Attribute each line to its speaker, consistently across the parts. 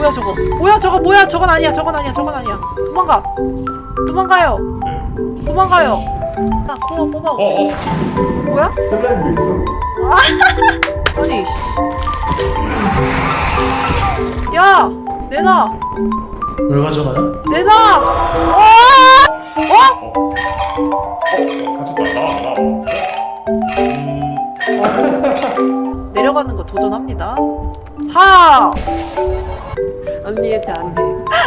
Speaker 1: 뭐야 저거? 뭐야 저거? 뭐야 저건 아니야. 저건 아니야. 저건 아니야. 도망가. 도망가요. 도망가요. 나 코어 뽑아오세요. 뭐야?
Speaker 2: 슬라임도 있어.
Speaker 1: 아니 씨. 야 내놔.
Speaker 3: 뭘 가져가요?
Speaker 1: 내놔. 어? 내려가는 거 도전합니다. 하.
Speaker 4: 언니 짠해.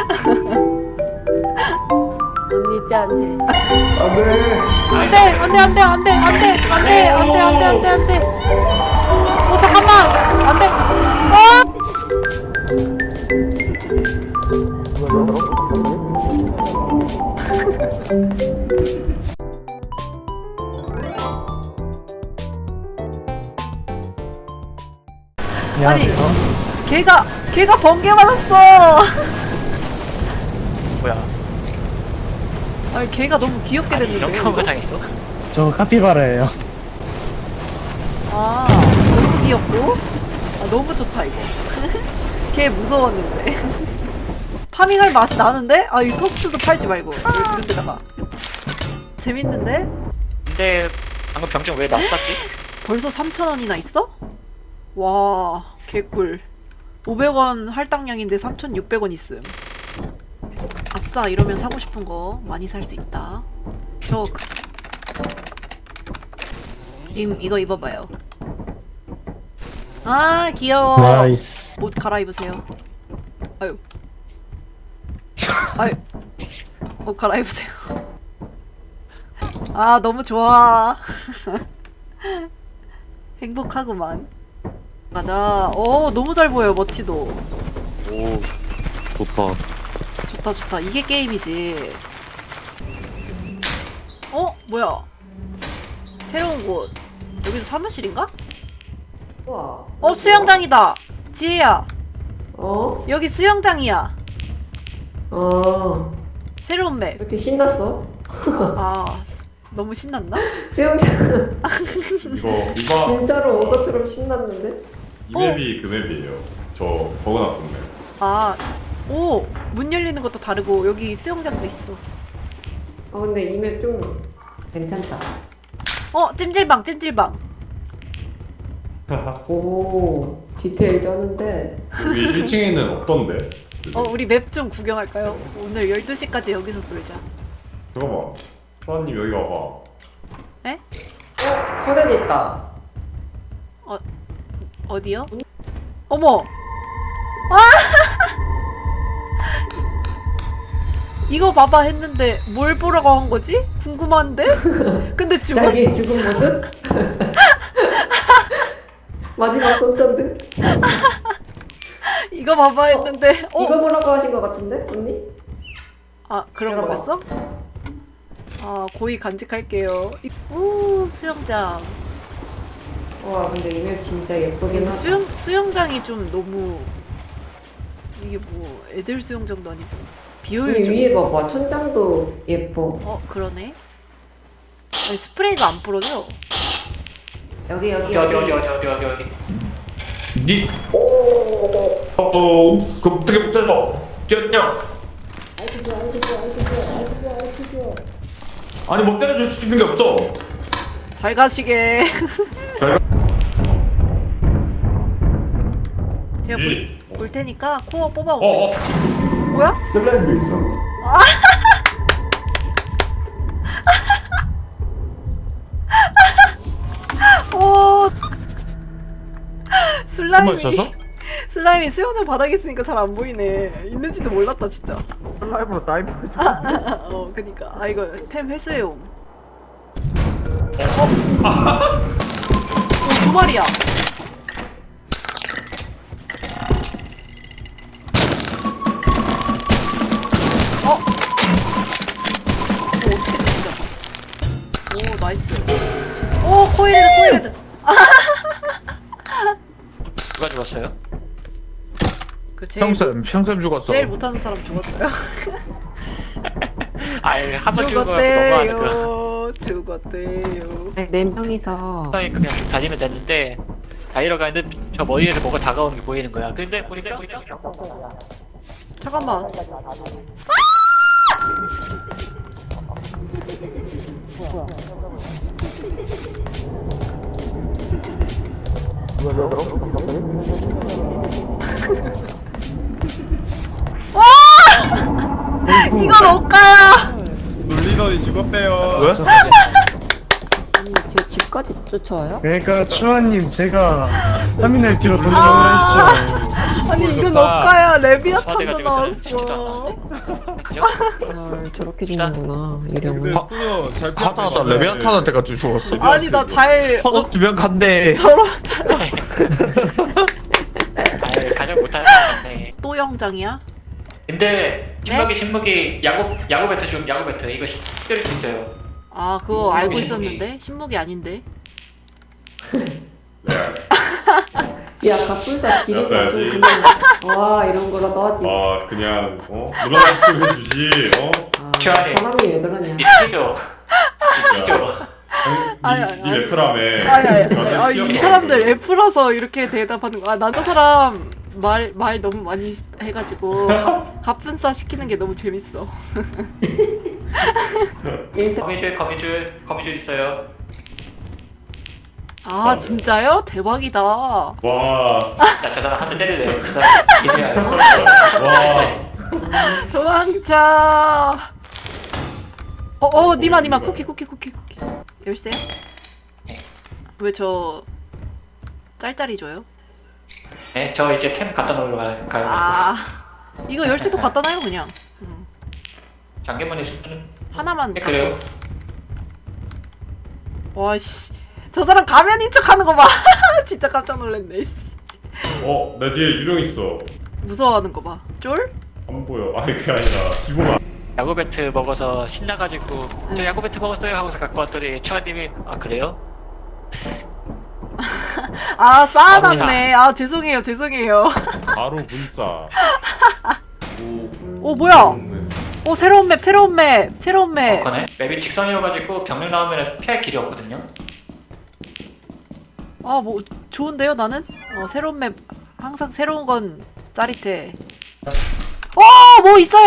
Speaker 4: 언니 짠해.
Speaker 1: 안돼 안돼 안돼 안돼 안돼 안돼 안돼 안돼 안돼 안돼. 어 잠깐만 안돼.
Speaker 3: 안녕하세요.
Speaker 1: 걔가 번개 맞았어.
Speaker 5: 뭐야?
Speaker 1: 아니 걔가 너무 귀엽게
Speaker 5: 아니,
Speaker 1: 됐는데.
Speaker 5: 이런 경우가 당했어?
Speaker 3: 저 카피바라예요.
Speaker 1: 아 너무 귀엽고. 아 너무 좋다 이거. 걔 무서웠는데. 파밍할 맛이 나는데? 아 이 토스트도 팔지 말고 이렇게다가. 재밌는데?
Speaker 5: 근데 방금 병정 왜 낯쌌지?
Speaker 1: 벌써 3,000원이나 있어? 와 개꿀. 500원 할당량인데 3,600원 있음. 아싸 이러면 사고 싶은 거 많이 살 수 있다. 이거 입어봐요. 아 귀여워.
Speaker 3: 나이스.
Speaker 1: 옷 갈아입으세요. 아유 아유 옷 갈아입으세요. 아 너무 좋아. 행복하구만. 가자. 오 너무 잘 보여 머치도.
Speaker 6: 오, 좋다.
Speaker 1: 좋다 좋다. 이게 게임이지. 어? 뭐야? 새로운 곳. 여기도 사무실인가?
Speaker 4: 우와.
Speaker 1: 어 수영장이다. 지혜야
Speaker 4: 어?
Speaker 1: 여기 수영장이야.
Speaker 4: 어.
Speaker 1: 새로운 맵.
Speaker 4: 이렇게 신났어?
Speaker 1: 아 너무 신났나?
Speaker 4: 수영장
Speaker 2: 이거
Speaker 4: 진짜로 온 것처럼 신났는데?
Speaker 2: 이 맵이 그 맵이에요. 저 버그났던 맵.
Speaker 1: 아 오 문 열리는 것도 다르고 여기 수영장도 있어.
Speaker 4: 근데 이 맵 좀 괜찮다.
Speaker 1: 어 찜질방 찜질방.
Speaker 4: 오, 디테일 쩌는데.
Speaker 2: 여기 1층에는 없던데.
Speaker 1: 우리 맵 좀 구경할까요? 오늘 12시까지 여기서 놀자.
Speaker 2: 잠깐만. 소아님 여기 와봐.
Speaker 4: 터렛 있다.
Speaker 1: 어디요? 어머! 아! 이거 봐봐 했는데 뭘 보라고 한 거지? 궁금한데? 근데 죽었어.
Speaker 4: 자기 죽은 모습? 마지막 손전등?
Speaker 1: 이거 봐봐 했는데
Speaker 4: 이거 보라고 하신 것 같은데, 언니?
Speaker 1: 아 그런
Speaker 4: 열어봐.
Speaker 1: 거였어? 아 고의 간직할게요. 오 수영장.
Speaker 4: 와, 근데 이 맵 진짜 예쁘긴 하다.
Speaker 1: 수영장이 좀 너무 이게 뭐 애들 수영장도 아니고
Speaker 4: 여기
Speaker 1: 비효율적.
Speaker 4: 위에 봐봐, 천장도 예뻐.
Speaker 1: 그러네. 아니, 스프레이가 안 뿌려져.
Speaker 4: 여기.
Speaker 5: 어디?
Speaker 2: 니. 그 어떻게 못해서 뛰었냐? 아니 뭐 때려줄 수 있는 게 없어.
Speaker 1: 잘 가시게.
Speaker 2: 잘 가.
Speaker 1: 제가
Speaker 2: 니.
Speaker 1: 볼 테니까 코어 뽑아오세요. 뭐야?
Speaker 2: 슬라임도 있어.
Speaker 1: 오 슬라임이
Speaker 6: 있어서?
Speaker 1: 슬라임이 수영장 바닥에 있으니까 잘 안 보이네. 있는지도 몰랐다 진짜.
Speaker 3: 슬라임으로 다이브.
Speaker 1: 그니까 이거 템 회수해옴. 두 마리야. 이거 어떻게 진짜? 오 나이스. 오 코일헤드.
Speaker 5: 누가 죽었어요?
Speaker 1: 그 제일
Speaker 6: 평쌤 죽었어.
Speaker 1: 제일 못하는 사람 죽었어요.
Speaker 5: 아예 하소 죽은 거 너무하네 그.
Speaker 1: 죽었대요.
Speaker 4: 네 명이서.
Speaker 5: 그냥 쭉 다니면 됐는데 다이러 가는데 저 머리에서 뭐가 다가오는 게 보이는 거야. 근데 보니까
Speaker 1: 잠깐만. 이건 억가야.
Speaker 2: 놀리더니 죽었대요.
Speaker 6: 왜?
Speaker 4: 아니 제 집까지 쫓아와요?
Speaker 3: 그러니까 추아님 제가 터미널 뒤로
Speaker 1: 아.
Speaker 3: 던져놓으라 했죠.
Speaker 1: 아니 이건
Speaker 2: 좋다.
Speaker 1: 억가야.
Speaker 5: 초대가
Speaker 1: 레비아탄도
Speaker 5: 지고 저는 진짜
Speaker 1: 나왔어.
Speaker 5: 않았는데. 그죠?
Speaker 4: 아 저렇게 죽는구나 이령은.
Speaker 2: 근데 소녀 잘
Speaker 6: 하다하다 레비안탄한테 같이 죽었어.
Speaker 1: 아니 나 잘
Speaker 6: 서적 두명 간대.
Speaker 1: 저런
Speaker 5: 아유 가장 못하는 건데.
Speaker 1: 또 영장이야?
Speaker 5: 근데 신무기 야구 배트 좀 야구 배트 이거 때릴 수 있어요.
Speaker 1: 아 그거 알고
Speaker 5: 신무기.
Speaker 1: 있었는데 신무기 아닌데.
Speaker 2: 네.
Speaker 4: 야 갑분사 지리서
Speaker 2: 알았어야지.
Speaker 4: 그냥 와 이런 거라도 하지.
Speaker 2: 아 그냥 누나가 좀 해주지.
Speaker 4: 아,
Speaker 5: 시원해.
Speaker 4: 사람이 왜 그러냐.
Speaker 5: 튀죠. 튀죠.
Speaker 1: 아니,
Speaker 2: 니
Speaker 1: 아니.
Speaker 2: 래프라며.
Speaker 1: 이 사람들 F라서 이렇게 대답하는 거야. 나 저 사람 말 너무 많이 해가지고 갑분싸 시키는 게 너무 재밌어.
Speaker 5: 거미줄 있어요.
Speaker 1: 아 진짜요? 대박이다.
Speaker 2: 와.
Speaker 5: 나 저 사람 한 대 때리래. 그 사람 기대하요.
Speaker 2: 와.
Speaker 1: 도망쳐. 니마 쿠키. 열쇠? 왜 저 짤짤이 줘요?
Speaker 5: 네, 저 이제 템 갖다 놓으러 가요.
Speaker 1: 아 이거 열쇠도 갖다 놔요 그냥.
Speaker 5: 장기문이 쓰는.
Speaker 1: 하나만.
Speaker 5: 네, 그래요.
Speaker 1: 와씨 저 사람 가면인 척하는 거 봐. 진짜 깜짝 놀랐네. 씨.
Speaker 2: 내 뒤에 유령 있어.
Speaker 1: 무서워하는 거 봐. 쫄?
Speaker 2: 안 보여. 아니 그게 아니라 기본.
Speaker 5: 야구 배트 먹어서 신나가지고 저 야구 배트 먹었어요 하고서 갖고 왔더니 추아님이 아 그래요?
Speaker 1: 아 쌓아놨네. 아 죄송해요.
Speaker 2: 바로 분싸.
Speaker 1: 오 뭐야? 오 새로운 맵.
Speaker 5: 그네 맵이 직선이어가지고 병력 나오면 피할 길이 없거든요.
Speaker 1: 아 뭐 좋은데요 나는? 새로운 맵 항상 새로운 건 짜릿해. 뭐 있어요.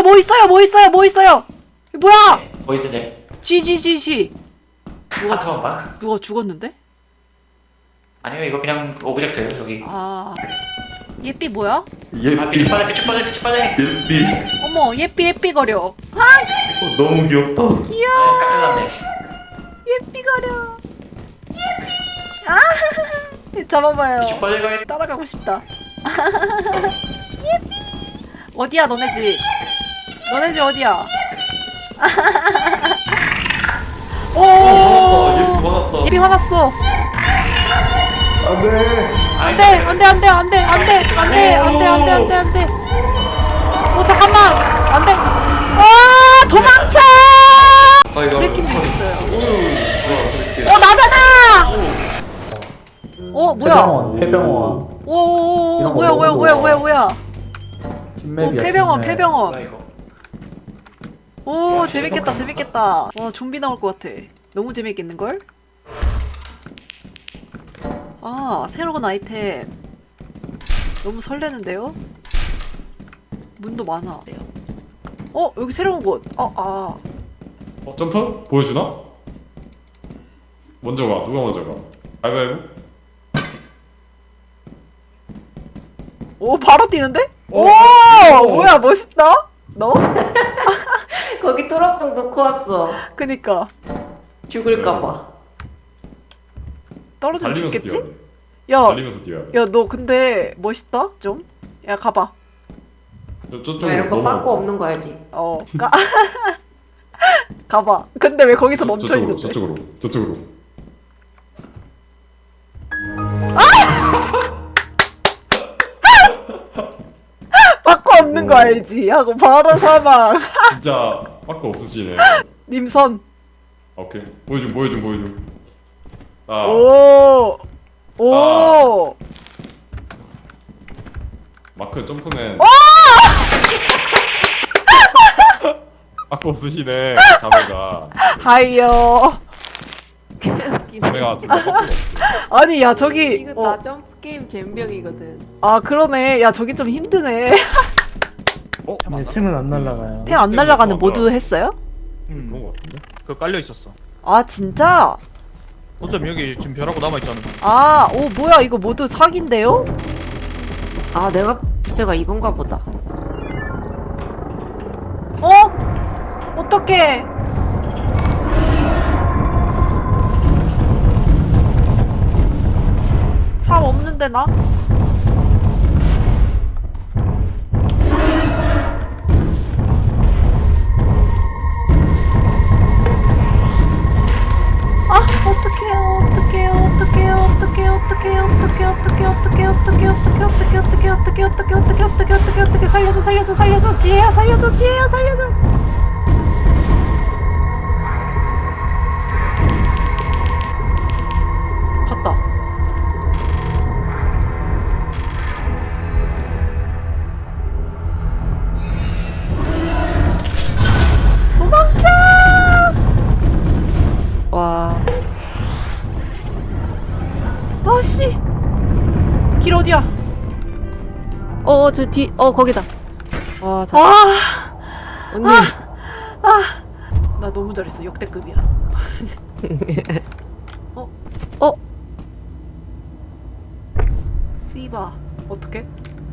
Speaker 1: 뭐야?
Speaker 5: 네, 뭐 있는데?
Speaker 1: GGGG.
Speaker 5: 한번 봐.
Speaker 1: 누가 죽었는데?
Speaker 5: 아니요 이거 그냥 오브젝트예요 저기.
Speaker 1: 아 예삐 뭐야?
Speaker 5: 아 빛 빠져.
Speaker 1: 어머 예삐 거려.
Speaker 2: 너무 귀엽다.
Speaker 1: 귀여워.
Speaker 5: 깎여놨네.
Speaker 1: 예삐 거려. 아 잡아봐요.
Speaker 5: 빛 빠져 가야
Speaker 1: 따라가고 싶다. 예삐. 어디야 너네 집? 어디야? 오. 예삐 화났어. 안돼. 잠깐만. 안돼. 도망쳐. 브레이킹도 있어요. 나잖아. 뭐야?
Speaker 7: 폐병원
Speaker 1: 오,
Speaker 7: 이런 거
Speaker 1: 뭐야?
Speaker 7: 뒷맵이야.
Speaker 1: 폐병원.
Speaker 5: 뭐야 이거.
Speaker 1: 오, 재밌겠다. 와, 좀비 나올 것 같아. 너무 재밌겠는걸? 아, 새로운 아이템. 너무 설레는데요? 문도 많아. 여기 새로운 곳.
Speaker 2: 점프? 보여주나? 먼저 가. 누가 먼저 가? 가위바위보?
Speaker 1: 오, 바로 뛰는데? 오, 뭐야, 멋있다? 너?
Speaker 4: 거기 토라빵 놓고 왔어.
Speaker 1: 그니까.
Speaker 4: 죽을까봐.
Speaker 1: 떨어지면
Speaker 2: 달리면서
Speaker 1: 죽겠지?
Speaker 2: 뛰어야 돼.
Speaker 1: 야,
Speaker 2: 달리면서 뛰어야 돼.
Speaker 1: 야, 너 근데 멋있다? 좀? 야, 가봐.
Speaker 2: 저쪽으로
Speaker 4: 야, 이런 거
Speaker 2: 넘어가자.
Speaker 4: 빠꾸 없는 거 알지?
Speaker 1: 가봐. 근데 왜 거기서 멈춰 있는데?
Speaker 2: 저쪽으로.
Speaker 1: 바꿔 없는 거 알지? 하고 바로 사망.
Speaker 2: 진짜 빠꾸 없으시네.
Speaker 1: 님선.
Speaker 2: 오케이. 보여줘. 아,
Speaker 1: 오.
Speaker 2: 마크 점프맨. 빠꾸 없으시네. 자매가.
Speaker 1: 하이요.
Speaker 2: 자매가 정말 빠꾸가 없어.
Speaker 1: 아니, 야, 저기.
Speaker 4: 이거 나 점프 게임 잼병이거든.
Speaker 1: 아, 그러네. 야, 저기 좀 힘드네.
Speaker 3: 네, 템은 안 날라가요.
Speaker 1: 템 안 날아가는
Speaker 2: 뭐야?
Speaker 1: 모드 했어요?
Speaker 2: 그런 거 같은데?
Speaker 6: 그거 깔려 있었어.
Speaker 1: 아 진짜?
Speaker 6: 어차피 여기 지금 벼라고 남아 있잖아.
Speaker 1: 아, 오 뭐야 이거 모드 사기인데요?
Speaker 4: 아 내가 글쎄가 이건가 보다.
Speaker 1: 어? 어떡해? 삽 없는데 나? 아 어떡해요 어떡해요 어떡해요 어떡해요 어떡해요 어떡해요 어떡해요 어떡해요 어떡해요 어떡해요 어떡해요 어떡해요 어떡해요 어떡해요 어떡해요 어떡해요 어떡해요 살려줘 살려줘 살려줘 지혜야 살려줘 지혜야 살려줘 갔다 도망쳐
Speaker 4: 와.
Speaker 1: 아씨 길 어디야
Speaker 4: 저 뒤. 거기다. 와, 자.
Speaker 1: 아
Speaker 4: 언니.
Speaker 1: 나 너무 잘했어 역대급이야 씨바 어떡해?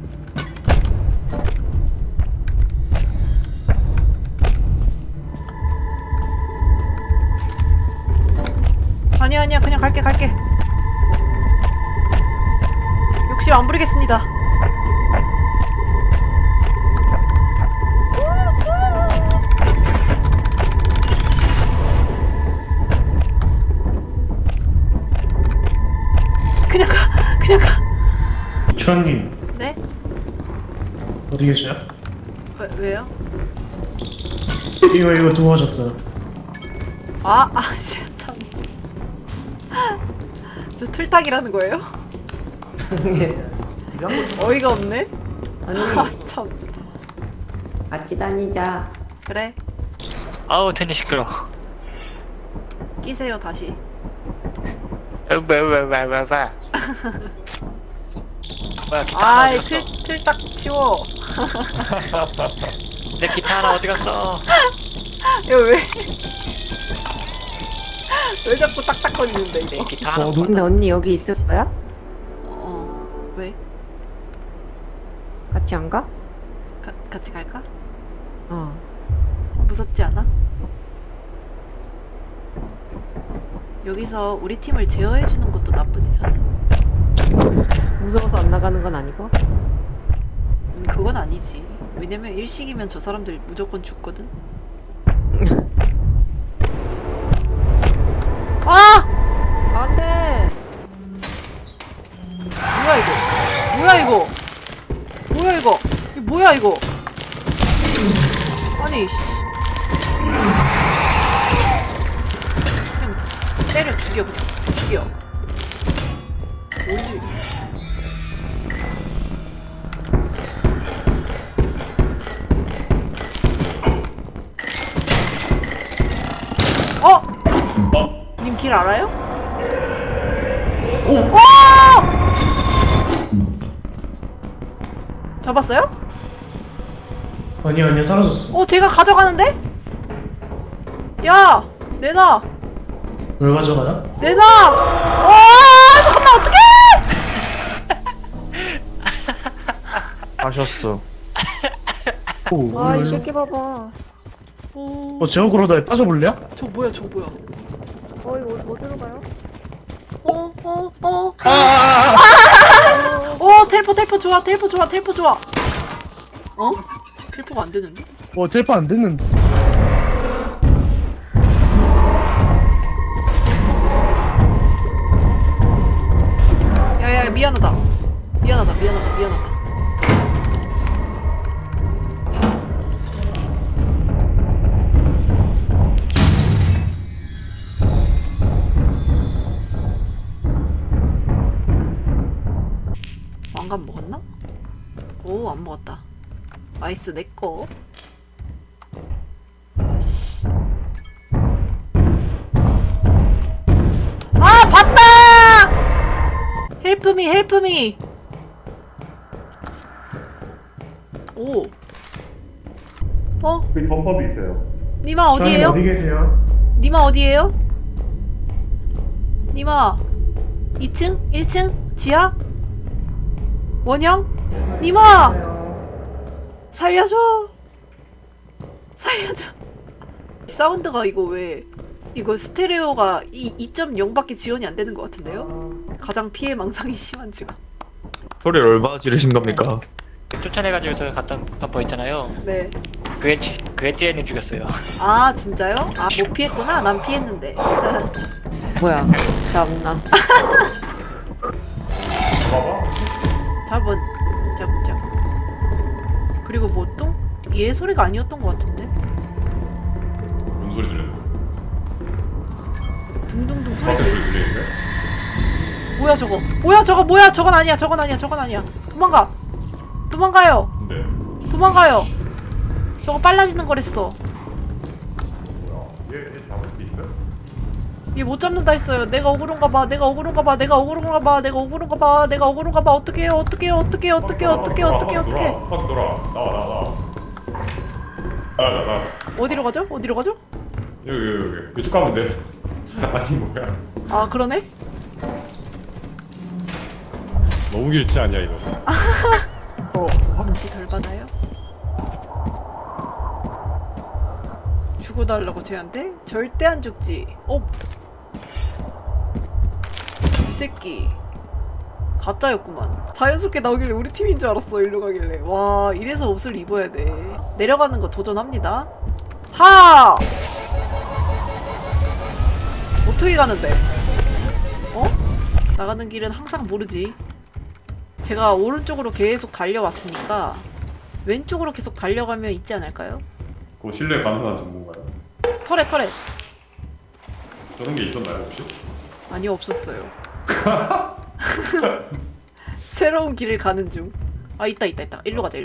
Speaker 1: 아니야 아니야 그냥 갈게 욕심 안 부리겠습니다 그냥 가
Speaker 3: 주원님
Speaker 1: 네?
Speaker 3: 어디 계세요?
Speaker 1: 왜요?
Speaker 3: 이거 두고 오셨어요.
Speaker 1: 진짜 참. 저 틀딱이라는 거예요? 어이가 없네?
Speaker 4: 언니.
Speaker 1: 참.
Speaker 4: 같이 다니자.
Speaker 1: 그래,
Speaker 5: 아우 텐이 시끄러.
Speaker 1: 끼세요, 다시.
Speaker 5: 왜. 뭐야 기타 하나
Speaker 1: 아이,
Speaker 5: 어디 갔어?
Speaker 1: 틀딱 치워.
Speaker 5: 내 기타 하나 어디 갔어?
Speaker 1: 이거 왜? 왜 자꾸 딱딱거리는데,
Speaker 5: 내
Speaker 1: 이거?
Speaker 5: 기타 하나.
Speaker 4: 근데 언니 여기 있을 거야?
Speaker 1: 왜?
Speaker 4: 같이 안 가?
Speaker 1: 같이 갈까?
Speaker 4: 어.
Speaker 1: 무섭지 않아? 여기서 우리 팀을 제어해주는 것도 나쁘지 않아.
Speaker 4: 무서워서 안 나가는 건 아니고?
Speaker 1: 그건 아니지. 왜냐면 일식이면 저 사람들 무조건 죽거든. 아!
Speaker 4: 안 돼!
Speaker 1: 뭐야 이거? 뭐야 이거? 뭐야 이거? 이거 뭐야 이거? 아니 씨. 그냥 때려 죽여 그냥 죽여. 뭐지? 님 길 알아요? 오! 잡았어요?
Speaker 3: 아니요 사라졌어.
Speaker 1: 제가 가져가는데? 야! 내놔!
Speaker 3: 뭘 가져가나?
Speaker 1: 내놔! 잠깐만 어떡해!
Speaker 6: 하셨어.
Speaker 4: 와, 이 새끼 봐봐.
Speaker 3: 제어그로다에 빠져볼래요?
Speaker 1: 저 뭐야 저 뭐야
Speaker 4: 이거 어디로 가요?
Speaker 1: 텔포 좋아 텔포 좋아 텔포가 안 되는데?
Speaker 3: 텔파 안 됐는데.
Speaker 1: 야야 미안하다 왕관 먹었나? 오 안 먹었다 아이스 내꺼 봤다! 헬프미 오 어?
Speaker 2: 그 범퍼도 있어요.
Speaker 1: 니마 어디에요?
Speaker 3: 어디 계세요?
Speaker 1: 니마 어디에요? 니마 2층? 1층? 지하? 원형? 니마! 살려줘! 살려줘! 사운드가 이거 왜 이거 스테레오가 2.0밖에 지원이 안 되는 것 같은데요? 가장 피해 망상이 심한 지금.
Speaker 6: 소리를 얼마나 지르신 겁니까?
Speaker 5: 쫓아내가지고 저 갔던 범퍼 있잖아요.
Speaker 1: 네.
Speaker 5: 그게 찌에님 죽였어요.
Speaker 1: 아 진짜요? 아 못 피했구나. 난 피했는데.
Speaker 4: 뭐야? 잡나?
Speaker 2: 봐봐.
Speaker 1: 잡은 잡. 그리고 뭐 또? 얘 소리가 아니었던 것 같은데.
Speaker 2: 뭔 소리 들렸는데?
Speaker 1: 둥둥둥 소리.
Speaker 2: 밖에 소리 들리는데?
Speaker 1: 뭐야 저거? 뭐야 저거? 뭐야 저건 아니야. 저건 아니야. 도망가요.
Speaker 2: 근데
Speaker 1: 도망가요. 저거 빨라지는 거랬어.
Speaker 2: 뭐야? 얘 잡을 수 있어?
Speaker 1: 얘 못 잡는다 했어요. 내가 억울한가 봐. 어떡해요.
Speaker 2: 밖에 돌아. 나와.
Speaker 1: 어디로 가죠?
Speaker 2: 여기 이쪽 가면 돼. 아니 뭐야?
Speaker 1: 아 그러네?
Speaker 2: 너무 길치 아니야 이거?
Speaker 1: 혹시 덜 받아요? 죽어달라고 쟤한테? 절대 안 죽지. 이 새끼 가짜였구만. 자연스럽게 나오길래 우리 팀인 줄 알았어. 일로 가길래. 와 이래서 옷을 입어야 돼. 내려가는 거 도전합니다. 하! 어떻게 가는데? 나가는 길은 항상 모르지. 제가 오른쪽으로 계속 달려왔으니까 왼쪽으로 계속 달려가면 있지 않을까요?
Speaker 2: 그거 신뢰 가능한 정보인가요?
Speaker 1: 터렛
Speaker 2: 저런 게 있었나요 혹시?
Speaker 1: 아니요 없었어요. 새로운 길을 가는 중. 아 있다 일로 가자.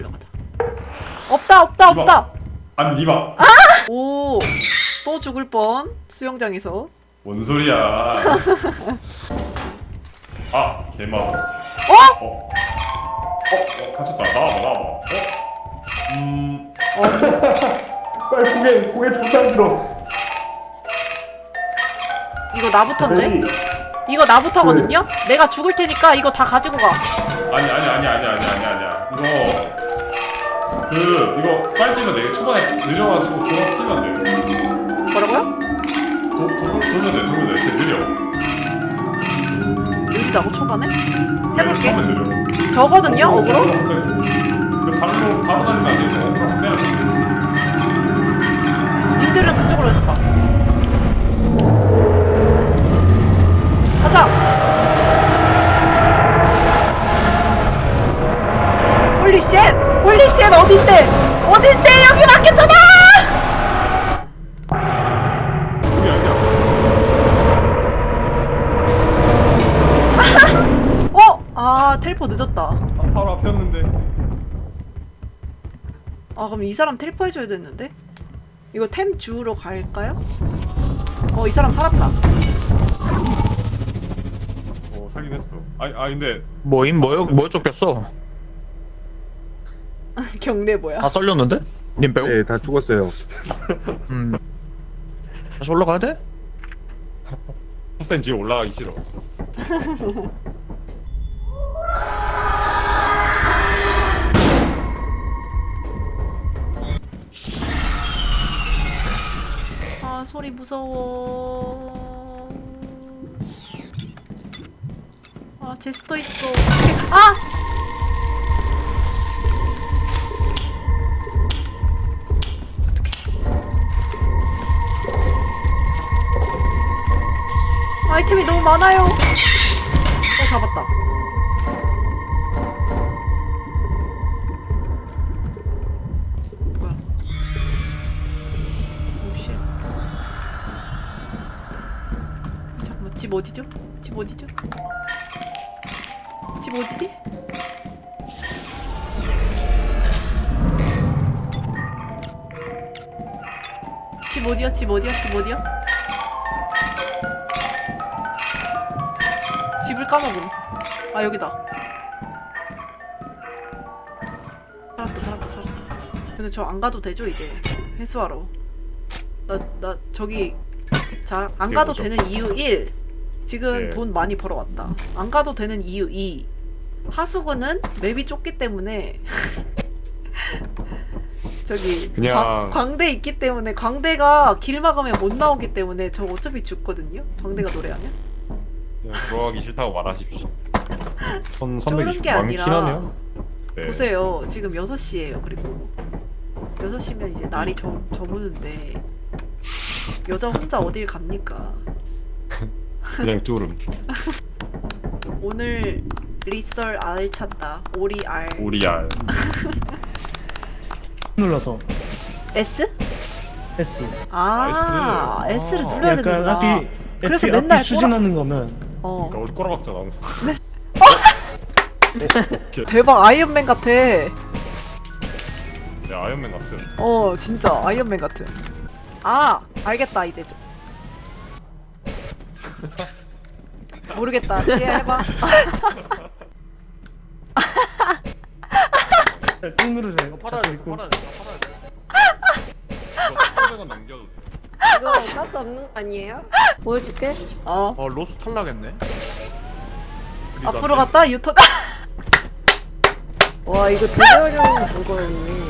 Speaker 1: 없다.
Speaker 2: 아니 니마.
Speaker 1: 오 또 죽을 뻔. 수영장에서.
Speaker 2: 뭔 소리야? 아 개맛. 갇혔다. 나와봐. 빨리 고개 존나 들어.
Speaker 1: 이거 나부터인데? 이거 나부터거든요? 내가 죽을 테니까 이거 다 가지고 가.
Speaker 2: 아니야. 이거 빨리 뛰면 돼. 초반에 느려가지고 돌아서 뛰면 돼.
Speaker 1: 뭐라고요?
Speaker 2: 돌면 돼. 진짜 느려.
Speaker 1: 느리다고 초반에?
Speaker 2: 네,
Speaker 1: 해볼게.
Speaker 2: 처음에 느려.
Speaker 1: 저거든요? 어그로?
Speaker 2: 근데 바로 달리면 안 되는데 어그로 빼야 돼.
Speaker 1: 님들은 그쪽으로 해서 가. 가자! 홀리쉣! 어딘데! 여기 막혔잖아!
Speaker 2: 그게 아니야.
Speaker 1: 아 텔포 늦었다.
Speaker 2: 바로 앞이었는데.
Speaker 1: 아 그럼 이 사람 텔포 해줘야 됐는데? 이거 템 주우러 갈까요? 이 사람 살았다.
Speaker 2: 살긴 했어. 근데
Speaker 6: 뭐 쫓겼어?
Speaker 1: 경례 뭐야?
Speaker 6: 다 썰렸는데? 님 빼고?
Speaker 8: 네, 다 죽었어요.
Speaker 6: 다시 올라가야 돼?
Speaker 2: 핫센 지금 올라가기 싫어.
Speaker 1: 아 소리 무서워. 아 제스터 있어. 아! 아이템이 너무 많아요. 잡았다. 뭐야? 오쉣. 잠깐만, 집 어디죠? 집 어디지? 집 어디야? 집을 까먹음. 여기다. 살았다. 근데 저 안 가도 되죠 이제 회수하러. 나 저기 자 안
Speaker 2: 그게
Speaker 1: 가도
Speaker 2: 뭐죠?
Speaker 1: 되는 이유 1. 지금
Speaker 2: 네.
Speaker 1: 돈 많이 벌어왔다. 안 가도 되는 이유 2. 하수구는 맵이 좁기 때문에 저기
Speaker 2: 그냥-
Speaker 1: 광대 있기 때문에 광대가 길 막으면 못 나오기 때문에 저 어차피 죽거든요. 광대가 노래하면.
Speaker 2: 그냥 들어가기 싫다고 말하십시오.
Speaker 1: 쫄은 게
Speaker 2: 1320 많긴
Speaker 1: 아니라
Speaker 2: 하네요. 네.
Speaker 1: 보세요. 지금 6시예요. 그리고 6시면 이제 날이 저무는데 여자 혼자 어딜 갑니까?
Speaker 2: 그냥 쫄음.
Speaker 1: 오늘 리썰 알 찾다. 오리 알.
Speaker 2: 오리알.
Speaker 3: 눌러서
Speaker 1: S?
Speaker 3: S.
Speaker 1: 아,
Speaker 2: S.
Speaker 1: S를
Speaker 2: 아.
Speaker 1: 눌러야
Speaker 3: 약간
Speaker 1: 되는구나.
Speaker 3: 앞이
Speaker 1: 그래서
Speaker 3: 앞이
Speaker 1: 맨날
Speaker 3: 추진하는 거면
Speaker 1: 어.
Speaker 2: 어디 꼬라박잖아. 항상.
Speaker 1: 대박 아이언맨 같아.
Speaker 2: 네, 아이언맨 같은.
Speaker 1: 어, 진짜 아이언맨 같은. 아, 알겠다 이제 좀. 모르겠다. 이해해봐.
Speaker 3: 꾹 누르세요.
Speaker 5: 팔아야
Speaker 3: 잡고
Speaker 5: 돼.
Speaker 3: 있고.
Speaker 5: 팔아야 돼. 팔아야 돼.
Speaker 2: 이거 300원 남겨도 돼.
Speaker 4: 이거 어쩔 수 없는 거 아니에요? 보여줄게.
Speaker 1: 어.
Speaker 6: 로스 탈락했네.
Speaker 1: 앞으로 갔다 유턴.
Speaker 4: 와 이거 되게 어려운 그거였네.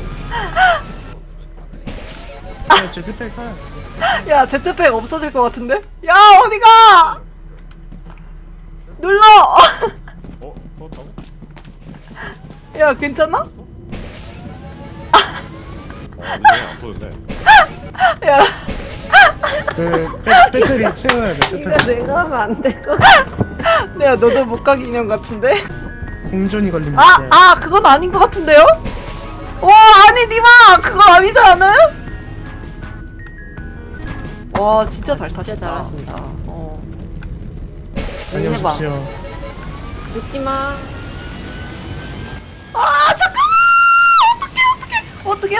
Speaker 3: 네, 제트팩 하.
Speaker 1: 야, 제트팩 없어질 것 같은데? 야, 어디가? 눌러.
Speaker 2: 어? 터졌다고?
Speaker 1: 야, 괜찮아?
Speaker 2: 아니네, 안 터졌네.
Speaker 1: 야,
Speaker 3: 그 배터리 채워야 돼.
Speaker 4: 이거
Speaker 3: 배터리.
Speaker 4: 내가 하면 안 될 것 같아.
Speaker 1: 내가 너도 못 가기 인형 같은데?
Speaker 3: 공존이 걸리면
Speaker 1: 그건 아닌 것 같은데요? 아니, 니마! 그건 아니지 않아요? 와, 진짜 잘 타신다.
Speaker 4: 진짜 잘하신다.
Speaker 1: 어.
Speaker 3: 다녀오십시오.
Speaker 4: 죽지 마.
Speaker 1: 어떡해!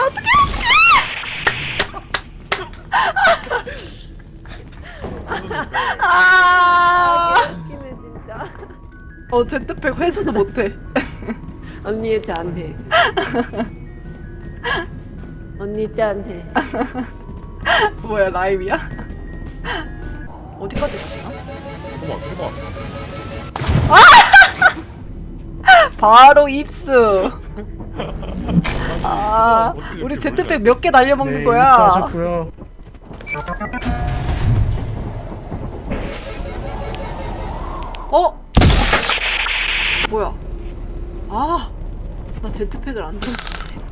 Speaker 4: 웃기네 진짜.
Speaker 1: 제트팩 회수도 못해.
Speaker 4: 언니 짠해. 언니 짠해.
Speaker 1: 뭐야, 라임이야? 어디까지 갔나?
Speaker 2: 해봐.
Speaker 1: 바로 입수.
Speaker 2: 어떻게
Speaker 1: 우리
Speaker 2: 이렇게
Speaker 1: 제트팩
Speaker 2: 멀리
Speaker 1: 몇 개 날려먹는
Speaker 3: 네,
Speaker 1: 거야?
Speaker 3: 하셨고요.
Speaker 1: 뭐야? 나 제트팩을 안 들었는데.